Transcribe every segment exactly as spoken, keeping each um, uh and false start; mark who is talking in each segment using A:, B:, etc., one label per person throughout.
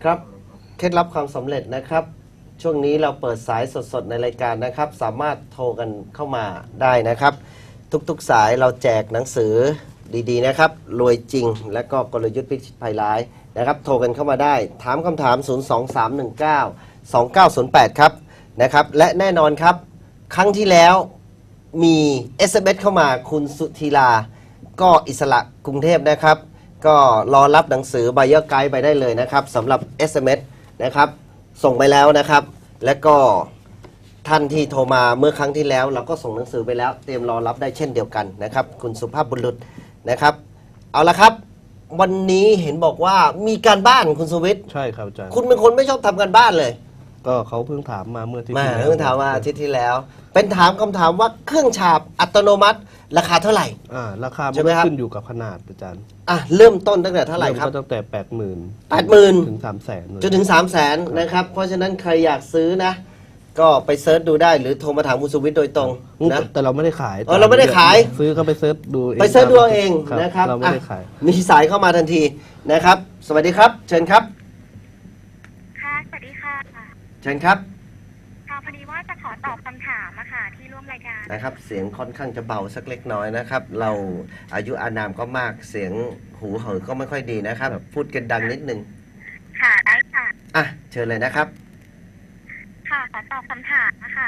A: ครับเคล็ดลับความสำเร็จนะครับช่วงนี้เราเปิดสายสดๆในรายการนะครับสามารถโทรกันเข้ามาได้นะครับทุกๆสายเราแจกหนังสือดีๆนะครับรวยจริงและก็กลยุทธ์พิชิตภัยร้ายนะครับโทรกันเข้ามาได้ถามคำถาม ศูนย์ สอง สาม หนึ่ง เก้า สอง เก้า ศูนย์ แปด ครับนะครับและแน่นอนครับครั้งที่แล้วมี เอส เอ็ม เอส เข้ามาคุณสุธีราก็อิสระกรุงเทพนะครับก็รอรับหนังสือ Buyer Guide ไปได้เลยนะครับสำหรับ เอส เอ็ม เอส นะครับส่งไปแล้วนะครับและก็ท่านที่โทรมาเมื่อครั้งที่แล้วเราก็ส่งหนังสือไปแล้วเตรียมรอรับได้เช่นเดียวกันนะครับคุณสุภาพบุรุษนะครับเอาละครับวันนี้เห็นบอกว่ามีการบ้านคุณสุวิทย์
B: ใช่ครับอาจารย์
A: คุณเป็นคนไม่ชอบทำการบ้านเลย
B: ก็เขาเพิ่งถามมาเมื่อที่
A: มาเพิ่งถามมาอาทิตย์ที่แล้วเป็นถามคำถามว่าเครื่องฉาบอัตโนมัติราคาเท่าไหร่
B: อ่าราคา
A: ใช่ไหมครับ
B: ขึ้นอยู่กับขนาดอาจารย์
A: อ่ะเริ่มต้นตั้งแต่เท่าไหร่ครับ
B: ก็ตั้งแต่แปดหมื่น
A: แปดหมื่น
B: ถึงสามแสน
A: จนถึงสามแสนนะครับเพราะฉะนั้นใครอยากซื้อนะก็ไปเซิร์ชดูได้หรือโทรมาถามคุณสุวิทย์โดยตรงนะ
B: แต่เราไม่ได้ขาย
A: เออเราไม่ได้ขาย
B: ซื้อก็ไปเซิร์ชดู
A: ไปเซิร์ชดูเองนะครับ
B: เราไม่ได้ขาย
A: มีสายเข้ามาทันทีนะครับสวัสดีครับเชิญครับ
C: ค่ะสวัสดีค่ะ
A: เชิญครับ
C: ค่ะพอดีว่าจะขอตอบคำถามอะค่ะที่ร่วมรายการ
A: นะครับเสียงค่อนข้างจะเบาสักเล็กน้อยนะครับเราอายุอานามก็มากเสียงหูเหอก็ไม่ค่อยดีนะครับพูดกันดังนิดนึง
C: ค่ะได้ค่ะ
A: อ่ะเชิญเลยนะครับ
C: ค่ะขอตอบคำถามนะคะ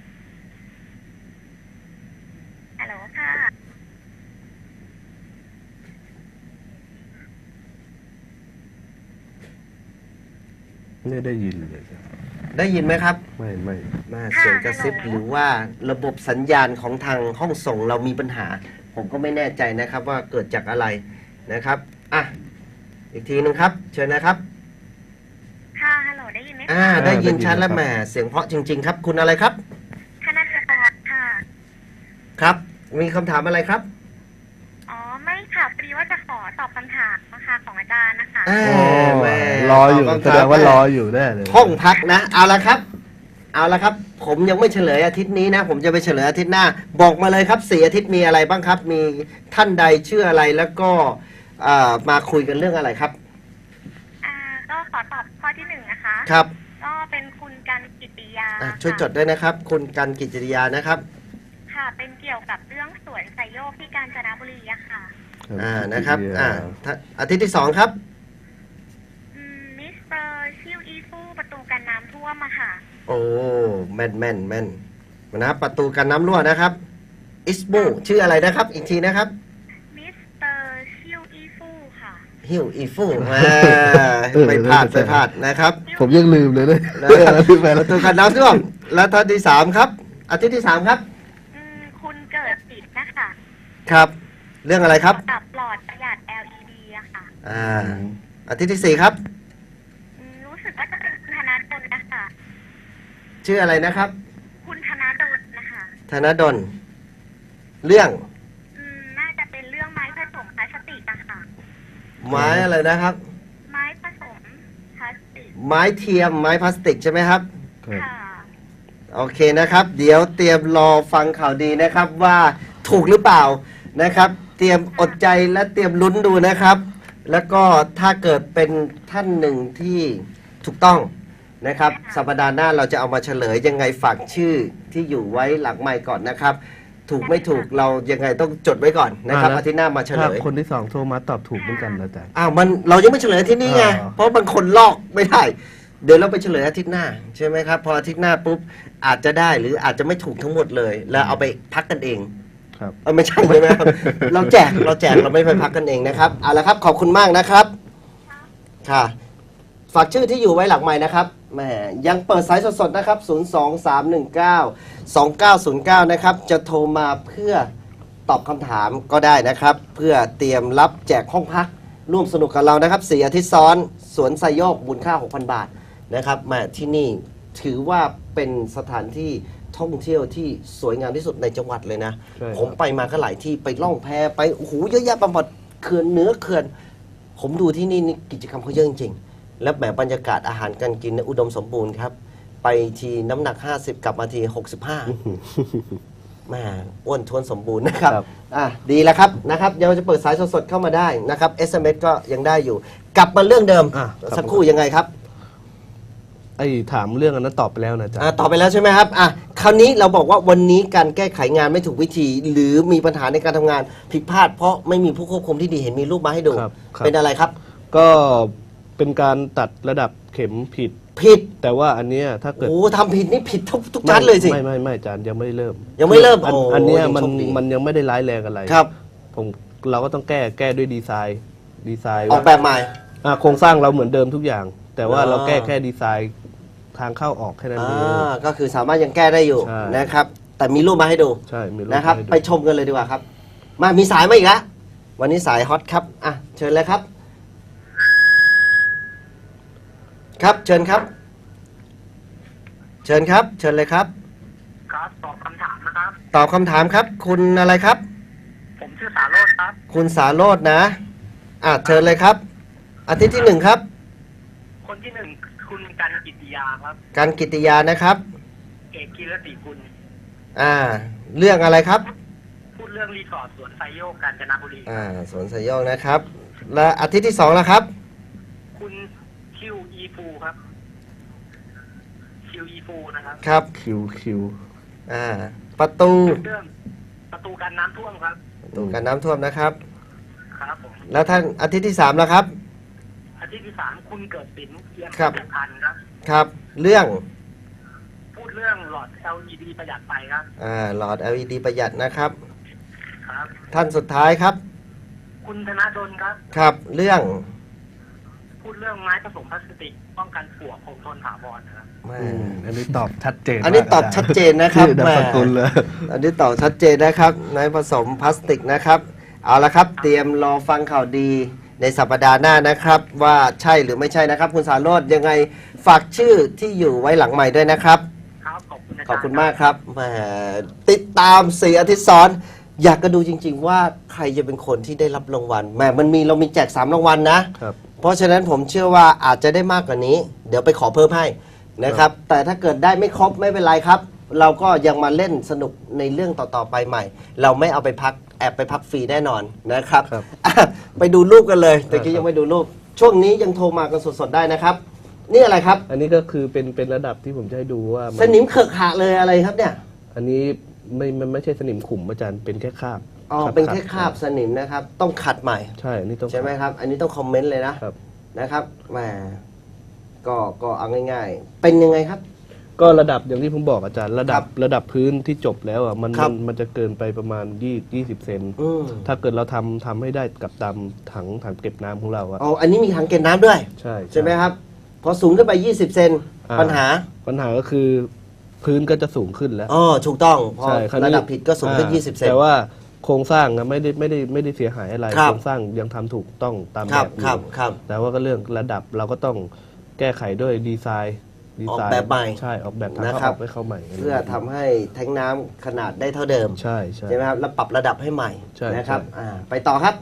C: ฮัลโหลค่ะ
B: ไม่ได้ยินเลย
A: ได้ยินไหมครับ
B: ไม่ไม่
A: มาเสียงกระซิบหรือว่าระบบสัญญาณของทางห้องส่งเรามีปัญหาผมก็ไม่แน่ใจนะครับว่าเกิดจากอะไรนะครับอ่ะอีกทีนึงครับเชิญนะครับ
C: ค่ะฮัลโหลได้ยินไหม
A: อ่าได้ยินชัดแล้วแหมเสียงเพราะจริงๆครับคุณอะไรครับ
C: ธนกรค่ะ
A: ครับมีคำถามอะไรครับ
C: อ๋อไม่ค่ะพอดีว่าจะขอตอบคำถามนะคะของอาจารย์นะคะ
A: อ๋อแม่
B: รออยู่แสดงว่ารออยู่แน่เลย
A: ห้องพักนะเอาละครับเอาละครับผมยังไม่เฉลยอาทิตย์นี้นะผมจะไปเฉลยอาทิตย์หน้าบอกมาเลยครับสี่อาทิตย์มีอะไรบ้างครับมีท่านใดชื่ออะไรแล้วก็มาคุยกันเรื่องอะไรครับ
C: อ่าก็ขอตอบข้อที่หนึ่งนะคะ
A: ครับ
C: ก็เป็นคุณกันกิติยา
A: ช่วยจดด้วยนะครับคุณกันกิติยานะครับ
C: ค่ะเป็นเกี่ยวกับเรื่องสวนไซโยกที่กาญจนบุรีอะค่ะ
A: อ่านะครับอ่าอาทิตย์ที่สองครับ
C: มิสเตอร์ชิวอีฟูประตูกันน้ำท่วมอะค่ะ
A: โอ้แม่นแม่นแม่นนะครับประตูกันน้ำรั่วนะครับอิสบูชื่ออะไรนะครับอีกทีนะครับ
C: มิสเตอร์ชิวอีฟูค่ะ
A: ฮิวอีฟูไปพลาดไปพลาดนะครับ
B: ผมยังลืมเลยเลย
A: ประตูกันน้ำท่วมแล้วท่านที่สามครับอาทิตย์ที่สามครับ
C: คุณเกิดติดนะคะ
A: ครับเรื่องอะไรครับ
C: กับหลอดประหยัด แอล อี ดี อะค่ะ
A: อ่าอาทิตย์ที่สี่ครับ
C: รู้สึกว่าจะเป็นคุณธนาดลนะคะ
A: ชื่ออะไรนะครับ
C: คุณธนาดลนะคะ
A: ธนาดลเรื่อง
C: อืมน่าจะเป็นเรื่องไม้ผสมพลาสติกอะค่ะ
A: ไม้อะไรนะครับ
C: ไม้ผสมพลาสติก
A: ไม้เทียมไม้พลาสติกใช่ไหมครับ
C: ค่ะ
A: โอเคนะครับเดี๋ยวเตรียมรอฟังข่าวดีนะครับว่าถูกหรือเปล่านะครับเตรียมอดใจและเตรียมลุ้นดูนะครับแล้วก็ถ้าเกิดเป็นท่านหนึ่งที่ถูกต้องนะครับสัปดาห์หน้าเราจะเอามาเฉลยยังไงฝากชื่อที่อยู่ไว้หลังไมค์ก่อนนะครับถูกไม่ถูกเรายังไงต้องจดไว้ก่อนนะครับอาทิตย์หน้ามาเฉลย
B: คนที่สองโทรมาตอบถูกเหมือนกันนะจ๊ะ
A: อ้าวมันเรายังไม่เฉลยที่นี่ไงเพราะบางคนลอกไม่ได้เดี๋ยวเราไปเฉลยอาทิตย์หน้าใช่ไหมครับพออาทิตย์หน้าปุ๊บอาจจะได้หรืออาจจะไม่ถูกทั้งหมดเลยแล้วเอาไปพักกันเอง
B: ครับ
A: เออไม่ใช่ใช่ไหมครับเราแจกเราแจกเราไม่ไปพักกันเองนะครับเอาละครับขอบคุณมากนะครับค่ะฝากชื่อที่อยู่ไว้หลังไมค์นะครับแหมยังเปิดสายสดๆนะครับศูนย์ สอง สาม หนึ่ง เก้า สอง เก้า ศูนย์ เก้านะครับจะโทรมาเพื่อตอบคำถามก็ได้นะครับเพื่อเตรียมรับแจกห้องพักร่วมสนุกกับเรานะครับสี่อาทิตย์ซ้อนสวนไซโยกมูลค่า หกพัน บาทนะครับมาที่นี่ถือว่าเป็นสถานที่ท่องเที่ยวที่สวยงามที่สุดในจังหวัดเลยนะผมไปมาก็หลายที่ไปล่องแพไปโอ้โหเยอะแยะไปหมดเขื่อนเนื้อเขื่อนผมดูที่นี่นี่กิจกรรมเขาเยอะจริงๆและแบบบรรยากาศอาหารการกินอุดมสมบูรณ์ครับไปทีน้ำหนักห้าสิบกลับมาทีหกสิบห้าแม่อ้วนท้วนสมบูรณ์นะครับอ่ะดีแล้วครับนะครับเดี๋ยวจะเปิดสายสดๆเข้ามาได้นะครับ เอส เอ็ม เอส ก็ยังได้อยู่กลับมาเรื่องเดิมสักครู่ยังไงครับ
B: อ้ถามเรื่องอันนั้นตอบไปแล้วนะอาจาร
A: อ่า
B: ย์
A: ตอบไปแล้วใช่ไหมครับอ่ะคราวนี้เราบอกว่าวันนี้การแก้ไขงานไม่ถูกวิธี หรือมีปัญหาในการทำงานผิดพลาด เพราะไม่มีผู้ควบคุมที่ดีเห็นมีรูปมาให้ดู
B: ครับครับ
A: เป็นอะไรครับ
B: ก็เป็นการตัดระดับเข็มผิด
A: ผิด
B: แต่ว่าอันเนี้ยถ้าเกิด
A: โอ้ทำผิดนี่ผิดทุกทุกชั้นเลยสิ
B: ไม่ไม่ไม่อาจารย์ยังไม่ได้เริ่ม
A: ยังไม่เริ่ม
B: อัน
A: โอ้
B: อันเนี้ย
A: ยัง
B: มัน
A: โชคดี
B: มันยังไม่ได้ร้ายแรงอะไร
A: ครับ
B: ผมเราก็ต้องแก้แก้ด้วยดีไซน์ดีไซน์
A: ออกแบบใหม่
B: อ่ะโครงสร้างเราเหมือนเดิมทุกอย่าง แต่ว่า
A: อ่า
B: เราแก้แค่ดีไซน์ทางเข้าออกแค่นั้นเอง
A: อ่าก็คือสามารถยังแก้ได้อยู่
B: ใช่
A: นะครับ แต่มีรูปมาให้ดู
B: ใช่มีรูป
A: นะครับ
B: ให้ดู
A: ไปชมกันเลยดีกว่าครับ มามีสายมาอีกแล้ววันนี้สายฮอตครับอ่ะเชิญเลยครับ ครับเชิญครับ เชิญครับ เชิญเลยครับ
C: ครับตอบคำถามนะครับ
A: ตอบคำถามครับ คุณอะไรครับ
C: ผมชื่อสาโรจน์ครับ
A: คุณสาโรจน์นะอ่ะเชิญเลยครับ อาทิตย์ที่หนึ่งครับ
C: คนที่หนึ่งคุณกันกิติยาครับ
A: การกิติยานะครับ
C: เอกกีรติกุล
A: อ่า เรื่องอะไรครับ
C: พูดเรื่องรีสอร์ทสวนไซโยกกาญจนบุรี
A: อ่าสวนสยองนะครับ และอาทิตย์ที่สองแล้วครับ
C: คุณคิวอีฟูครับคิวอีฟูนะครับ
A: ครับ
B: คิวคิว
A: อ่า ประตู
C: เรื่องประตูการน้ำท่วมครับ
A: ประตูการน้ำท่วมนะครับ
C: ครับผม
A: แล้วท่านอาทิตย์ที่สามแล้วครับ
C: อาทิตย์ที่สามคุณเกิดสินเทียน
A: ครับ
C: พันธ์ครับ
A: ครับ เรื่อง
C: พูดเรื่องหลอด แอล อี ดี ประหยัดไฟครับ
A: อ่า หลอด แอล อี ดี ประหยัดนะครับ
C: ครับ
A: ท่านสุดท้ายครับ
C: คุณธนดลครับ
A: ครับ เรื่อง
C: พูดเรื่องไม้ผสมพลาสติกป้องกันปลวกคงทนถาวรนะครับ
A: แม่
B: อืมอันนี้ตอบชัดเจน
A: อันนี้
B: มาก
A: ตอบชัดเจนนะครับ
B: ชื่อนาม
A: แม่
B: สกุลเลย
A: อันนี้ตอบชัดเจนนะครับในผสมพลาสติกนะครับ เอาละครับ เตรียมรอฟังข่าวดีในสัปดาห์หน้านะครับ ว่าใช่หรือไม่ใช่นะครับ คุณสาโรจน์ยังไงฝากชื่อที่อยู่ไว้หลังใหม่ด้วยนะครับ
C: ครับ ขอบคุณอาจารย์
A: ขอบคุณมากครับแหมติดตามสี่อาทิตย์ซ้อน อยากก็ดูจริง ๆ ว่าใครจะเป็นคนที่ได้รับรางวัลแหมมันมีเรามีแจกสามรางวัลนะ
B: ครับ
A: เพราะฉะนั้นผมเชื่อว่าอาจจะได้มากกว่านี้ เดี๋ยวไปขอเพิ่มให้นะครับ แต่ถ้าเกิดได้ไม่ครบไม่เป็นไรครับ เราก็ยังมาเล่นสนุกในเรื่องต่อ ๆ ไปใหม่ เราไม่เอาไปพักแอบไปพักฟรีแน่นอนนะครับ
B: ครับ
A: อ่ะไปดูรูปกันเลยแต่กี้
B: ครับ
A: ยังไม่ดูรูป ช่วงนี้ยังโทรมากันสดๆได้นะครับ นี่อะไรครับ
B: อันนี้ก็คือเป็นเป็นระดับที่ผมจะให้ดูว่ามั
A: สนิมเขอะขะเลยอะไรครับเนี่ย
B: อันนี้ไม่มันไม่ใช่สนิมขุมอาจารย์เป็นแค่คราบ
A: อ๋อ
B: รับ
A: เป็นแค่คราบสนิมนะครับ ต้องขัดใหม่
B: ใช่อันนี้ต้อง
A: ใช่ไหมครับ อันนี้ต้องคอมเมนต์เลยนะครับ นะครับแหมก็ก็เอาง่ายๆ เป็นยังไงครับ
B: ก็ระดับอย่างที่ผมบอกอาจารย์ระดับ
A: ครับ
B: ระดับพื้นที่จบแล้วอ่ะมัน
A: ครั
B: มั
A: บ
B: นมันจะเกินไปประมาณยี่ยี่สิบเซน
A: อืม
B: ถ้าเกิดเราทำทำให้ได้กับตามถังถังเก็บน้ำของเราอะ
A: อ๋ออันนี้มีถังเก็บน้ำด้วย
B: ใช่
A: ใช่ไหมครับ พอสูงขึ้นไป ยี่สิบ เซน
B: อ่า
A: ปัญหา
B: ปัญหาก็คือพื้นก็จะสูงขึ้นแล้ว
A: อ๋อ ถูกต้อง พอ
B: ใช่คราวนี้
A: ระดับผิดก็สูงขึ้น
B: อ่า
A: ยี่สิบ เซน
B: แต่ว่าโครงสร้างอะไม่ได้ไม่ได้ไม่ได้เสียหายอะไร
A: ครับ
B: โครงสร้างยังทำถูกต้องตาม
A: ค
B: แบ
A: รับบ
B: อ
A: ครับ
B: ยู่
A: ครับ
B: แต่ว่าก็เรื่องระดับเราก็ต้องแก้ไขด้วยดีไซน์ดีไซน์
A: ออกแบบใหม่
B: ใช่ออกแบบทาง
A: นะ
B: เข้า
A: ครั
B: อบ อกไปเข้าใหม่
A: เพื่อทำให้แทงน้ำขนาดได้เท่าเดิม
B: ใช่ใช่
A: ใช่ไหมครับ แล้วปรับระดับให้ใหม่
B: ใช่
A: นะครับ
B: ใช่
A: อ่าไปต่อครับ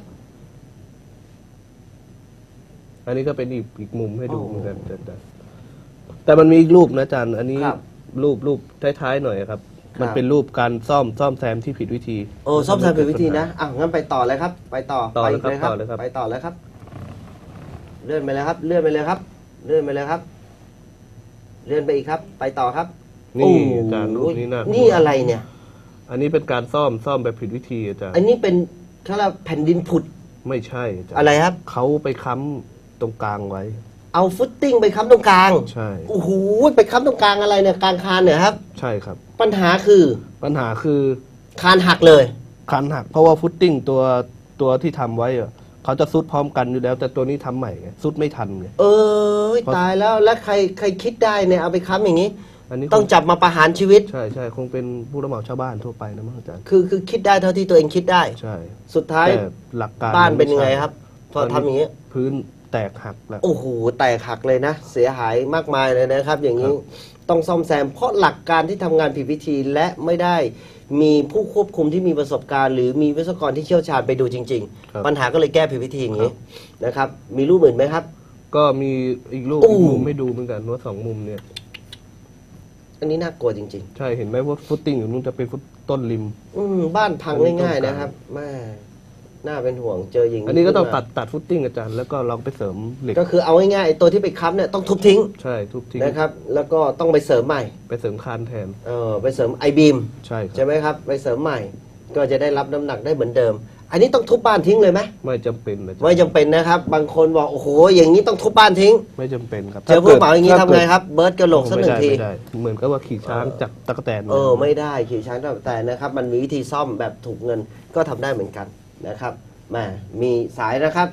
B: อันนี้ก็เป็นอีกอีกมุมให้ดู
A: โอ้
B: เหมือนกันแต่แต่แต่มันมีอีกรูปนะอาจารย์อันนี้
A: ครับ
B: รูปรูปท้ายๆหน่อยครับ มัน
A: ครับ
B: เป็นรูปการซ่อมซ่อมแซมที่ผิดวิธี
A: โอ้ซ่อมแซมเป็นวิธีนะอ่ะงั้นไปต่อเลยครับ ไปต่อ
B: ต่อ
A: ไป
B: เลย
A: อีกเลยครับ
B: ต่อเลยครับ
A: ไปต่อเลยครับ เลื่อนไปเลยครับ เลื่อนไปเลยครับ เลื่อนไปเลยครับ เลื่อนไปอีกครับ ไปต่อครับ
B: นี่
A: โอ้
B: อาจารย์รูปนี้นะ
A: นี่อะไรเนี่ย
B: อันนี้เป็นการซ่อมซ่อมแบบผิดวิธีอาจารย์
A: อันนี้เป็นเขาเรียกว่าแผ่นดินผุด
B: ไม่ใช่อาจารย์
A: อะไรครับ
B: เขาไปค้ำตรงกลางไว้
A: เอาฟุตติ้งไปค้ำตรงกลาง
B: ใช่
A: โอ้โหไปค้ำตรงกลางอะไรเนี่ยกลางคานเนี่ยครับ
B: ใช่ครับ
A: ปัญหาคือ
B: ปัญหาคือ
A: คานหักเลย
B: คันหักเพราะว่าฟุตติ้งตัวตัวที่ทำไว้อะเขาจะซุดพร้อมกันอยู่แล้ว แต่ตัวนี้ทำใหม่ไงซุดไม่ทันไง
A: เออตายแล้วแล้วใครใครคิดได้เนี่ยเอาไปค้ำอย่างนี้
B: อันนี้
A: ต้องจับมาประหารชีวิต
B: ใช่ใช่คงเป็นผู้รับเหมาชาวบ้านทั่วไปนะมั้งอาจารย์
A: คือคือคิดได้เท่าที่ตัวเองคิดได้
B: ใช่
A: สุดท้าย
B: แต่หลักการ
A: บ้านเป็นยังไง
B: ม่ใช่
A: ครับพอทำอย่างนี้
B: พื้นแตกหักแล้ว
A: โอ้โหแตกหักเลยนะ เสียหายมากมายเลยนะครับ อย่างนี้ต้องซ่อมแซม เพราะหลักการที่ทำงานผิดวิธีและไม่ได้มีผู้ควบคุมที่มีประสบการณ์ หรือมีวิศวกรที่เชี่ยวชาญไปดูจริง
B: ครับ
A: ๆ ปัญหาก็เลยแก้ผิดวิธีอย่างนี้นะครับ มีรูปอื่นไหมครับ
B: ก็มีอีกรูป
A: อู้
B: อีกมุมให้ดูเหมือนกันว่าสองมุมเนี่ย
A: อันนี้น่ากลัวจริง
B: ใช่เห็นไหมว่าฟุตติ้งอยู่นู้นจะเป็นฟุตต้นริม
A: ๆ อืมบ้านพังง่ายๆนะครับแม่น่าเป็นห่วงเจออย่าง
B: อันนี้ก็ต้อง
A: ขึ้
B: ตัดตัดฟุตติ้งอาจารย์แล้วก็ลองไปเสริมเหล็ก
A: ก็คือเอาง่ายๆไอ้ตัวที่ไปค้ำเนี่ยต้องทุบทิ้ง
B: ใช่ทุบทิ้ง
A: นะครับ แล้วก็ต้องไปเสริมใหม่
B: ไปเสริมคานแทน
A: เออไปเสริมไอบีม
B: ใช่ค
A: ใช่
B: รับ
A: ไหมครับไปเสริมใหม่ ก็จะได้รับน้ำหนักได้เหมือนเดิม อันนี้ต้องทุบบ้านทิ้งเลยไหม
B: ไม่จำเป็นอาจารย์
A: ไม่จำเป็นนะครับ บางคนบอกโอ้โหอย่างนี้ต้องทุบบ้านทิ้ง
B: ไม่จำเป็นครับ
A: เจอผู้เหมาอย่างนี้ทำไงครับเบิร์ดกระโหลกสักหนึ่งที
B: ไม่ได้เหมือนกับว่าขี่ช้างจากตะกแตน
A: เออไม่ได้ขี่ช้างแต่นะครับ มันมีวิธีซ่อมแบบถูกเงินก็ทำได้เหมือนกันนะครับแหมมีสายนะครับ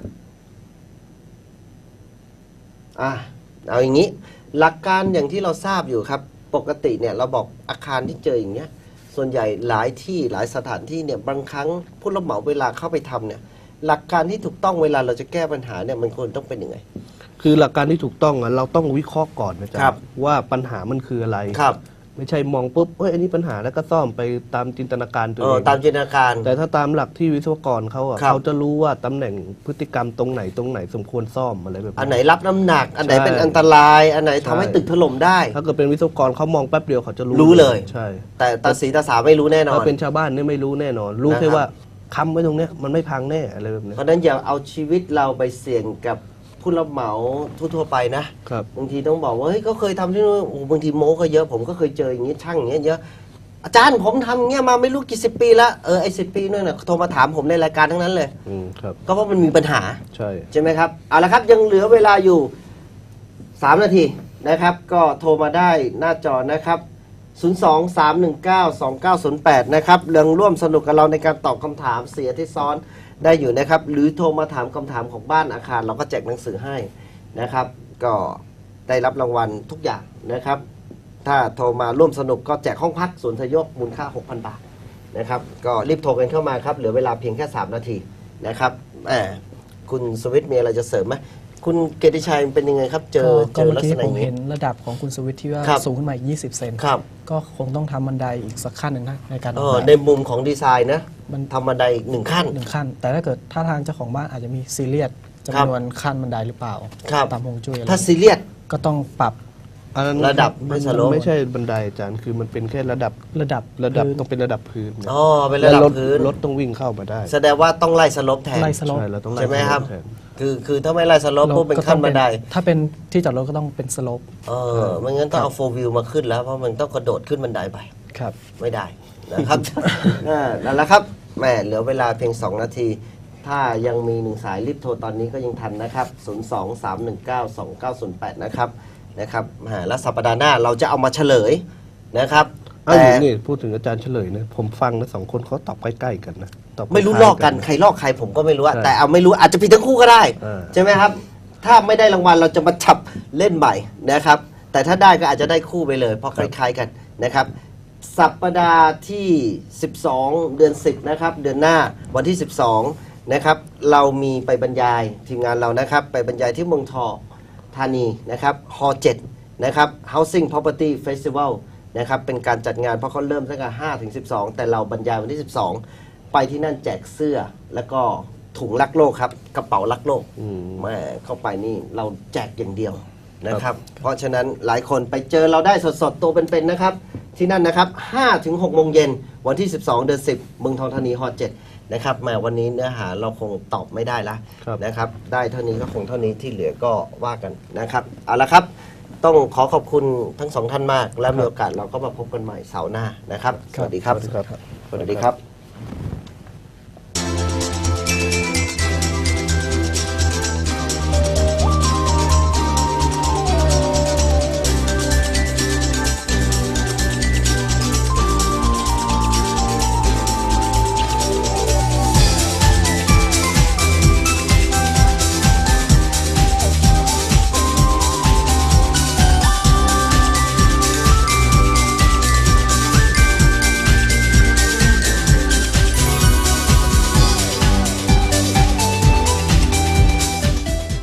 A: อ่ะเอาอย่างนี้ หลักการอย่างที่เราทราบอยู่ครับ ปกติเนี่ยเราบอกอาคารที่เจออย่างเงี้ยส่วนใหญ่หลายที่หลายสถานที่เนี่ยบางครั้งผู้รับเหมาเวลาเข้าไปทำเนี่ยหลักการที่ถูกต้องเวลาเราจะแก้ปัญหาเนี่ยมันควรต้องเป็นยังไง
B: คือหลักการที่ถูกต้องอะเราต้องวิเคราะห์ก่อนนะจ๊ะ
A: ครับ
B: ว่าปัญหามันคืออะไร
A: ครับ
B: ไม่ใช่มองปุ๊บเอ้ยอันนี้ปัญหาแล้วก็ซ่อมไปตามจินตนาการตัว
A: เอ
B: เอ
A: อง ตามจินตนาการ
B: แต่ถ้าตามหลักที่วิศวกรเขาอะ
A: ครับ
B: เขาจะรู้ว่าตำแหน่งพฤติกรรมตรงไหนตรงไหนสมควรซ่อมอะไรแบบ
A: อันไหนรับน้ำหนัก อันไหน
B: ใช่
A: เป็นอันตราย อันไหนทำให้
B: ใช่
A: ตึกถล่มได้
B: ถ้าเกิดเป็นวิศวกรเขามองแป๊บเดียวเขาจะรู้
A: รู้เลย
B: ใช่
A: แต่ตาสีตาสาไม่รู้แน่นอ
B: ถ้าน เป็นชาวบ้านเนี่ยไม่รู้แน่นอน รู้
A: นะครับ
B: แค่ว่าค้ำไว้ตรงเนี้ยมันไม่พังแน่อะไรแบบเนี้ย
A: เพราะฉะนั้นอย่าเอาชีวิตเราไปเสี่ยงกับผู้รับเหมาทั่วๆไปนะครับ บางทีต้องบอกว่าเฮ้ยก็เคยทำที่นู่นโอ้โหบางทีโม้ก็เยอะผมก็เคยเจออย่างนี้ช่างอย่างเงี้ยเยอะอาจารย์ผมทำอย่างเงี้ยมาไม่รู้กี่สิบปีแล้วเออไอ้สิบปีนั่นน่ะโทรมาถามผมในรายการทั้งนั้นเลย
B: อืมครับ
A: ก็เพราะมันมีปัญหา
B: ใช่
A: ใช่ไหมครับเอาละครับยังเหลือเวลาอยู่สามนาทีนะครับ ก็โทรมาได้หน้าจอนะครับศูนย์ สอง สาม หนึ่ง เก้า สอง เก้า ศูนย์ แปดนะครับเรื่องร่วมสนุกกับเราในการตอบคำถามเสียที่ซ้อนได้อยู่นะครับ หรือโทรมาถามคำถามของบ้านอาคาร เราก็แจกหนังสือให้นะครับ ก็ได้รับรางวัลทุกอย่างนะครับ ถ้าโทรมาร่วมสนุกก็แจกห้องพักศูนย์ทยกมูลค่า หกพัน บาทนะครับก็รีบโทรกันเข้ามาครับเหลือเวลาเพียงแค่สามนาทีนะครับแหมคุณสวิทย์มีอะไรจะเสริมไหมคุณเกติชัยเป็นยังไงครับ เจอ
D: ก็
A: เจอ
D: เมื่
A: ลั
D: อก กี้
A: ษณะ
D: ผ
A: อ
D: ม
A: ย่างนี้
D: เห็นระดับของคุณสวิทย์ที่ว่า
A: ครับ
D: สูงขึ้นมาอีกยี่สิบเซน
A: ครับ
D: ก็คงต้องทำบันไดอีกสักขั้นหนึ่งนะในการ
A: เอ
D: ออก
A: อ
D: แบบ
A: ในมุมของดีไซน์นะ
D: มัน
A: ทำบันไดอีกหนึ่งขั้น
D: หนึ่งขั้น แต่ถ้าเกิดถ้าทางเจ้าของบ้านอาจจะมีซีเรียส
A: ครับ
D: จำนวนขั้นบันไดหรือเปล่า
A: ครับ
D: ตามฮวงจุ้ยอะไร
A: ถ้าซีเรียส
D: ก็ต้องปรับ
B: อันนั้น
A: ระดับ
B: มัน
A: ไม่สโลป
B: ไม่ใช่บันไดอาจารย์คือมันเป็นแค่ระดับ
D: ระดับ
B: ระดับ
D: พื้น
B: ต้องเป็นระดับพื้นนะ
A: อ๋อเป็นระดับ
B: แล้วถ
A: พื้น
B: รถต้องวิ่งเข้ามาได้
A: แสดงว่าต้องไล่สลบแทน
D: ไล่สโลป
B: ใช่เราต้องไล่
A: ใช่ไหมครับ
B: แทน
A: คือคือถ้าไม่ไล่สลบปุ๊บเป็นขั้นบันได
D: ถ้าเป็นที่จอดรถก็ต้องเป็นสโลป
A: เออไม่งั้นต้องเอาโฟวิวมาขึ้นแล้วเพราะมันต้องกระโดดขึ้นบันไดไป
D: ครับ
A: ไม่ได้นะครับ อ่านั่นแหละครับแหมเหลือเวลาเพียง สอง นาที ถ้ายังมีหนึ่งสายรีบโทรตอนนี้ก็ยังทันนะครับ ศูนย์ สอง สาม หนึ่ง เก้า สอง เก้า ศูนย์ แปด นะครับนะครับอ่าแล้วสัปดาห์หน้าเราจะเอามาเฉลยนะครับ
B: อ้าว
A: แต่
B: นี่พูดถึงอาจารย์เฉลยนะผมฟังนะสองคนเขาตอบใกล้ๆกันนะตอบ
A: ไม่รู้
B: คายๆ
A: ลอกกันใครลอกใครผมก็ไม่รู้อะ
B: ใช่
A: แต่เอาไม่รู้อาจจะผิดทั้งคู่ก็ได้
B: อ่า
A: ใช่ไหมครับ ถ้าไม่ได้รางวัลเราจะมาจับเล่นใหม่นะครับ แต่ถ้าได้ก็อาจจะได้คู่ไปเลยเพราะคล้ายๆกันนะครับ สัปดาห์ที่ สิบสอง เดือน สิบ นะครับ เดือนหน้าวันที่ สิบสอง นะครับ เรามีไปบรรยายทีมงานเรานะครับ ไปบรรยายที่เมืองทองธานีนะครับฮอเจ็ดนะครับ Housing Property Festival นะครับ เป็นการจัดงานเพราะเขาเริ่มตั้งแต่ห้าถึงสิบสอง แต่เราบรรยายวันที่ สิบสอง ไปที่นั่นแจกเสื้อแล้วก็ถุงรักโลกครับ กระเป๋ารักโลก
B: อืม
A: แม่เข้าไปนี่เราแจกอย่างเดียวนะครับ เพราะฉะนั้นหลายคนไปเจอเราได้สดๆ ตัวเป็นๆนะครับ ที่นั่นนะครับห้าถึงหกโมงเย็นวันที่ สิบสอง เดือน สิบ เมืองทองธานีฮอเจ็ดนะครับแหมาวันนี้เนื้อหาเราคงตอบไม่ได้ละ
B: ครับ
A: นะครับ ได้เท่านี้ก็คงเท่านี้ที่เหลือก็ว่ากันนะครับ เอาละครับ ต้องขอขอบคุณทั้งสองท่านมาก และมีโอกาสเราก็มาพบกันใหม่เสาร์หน้านะครับ สวัสดีครับ
B: สวัสดีครับ
A: สวัสดีครับ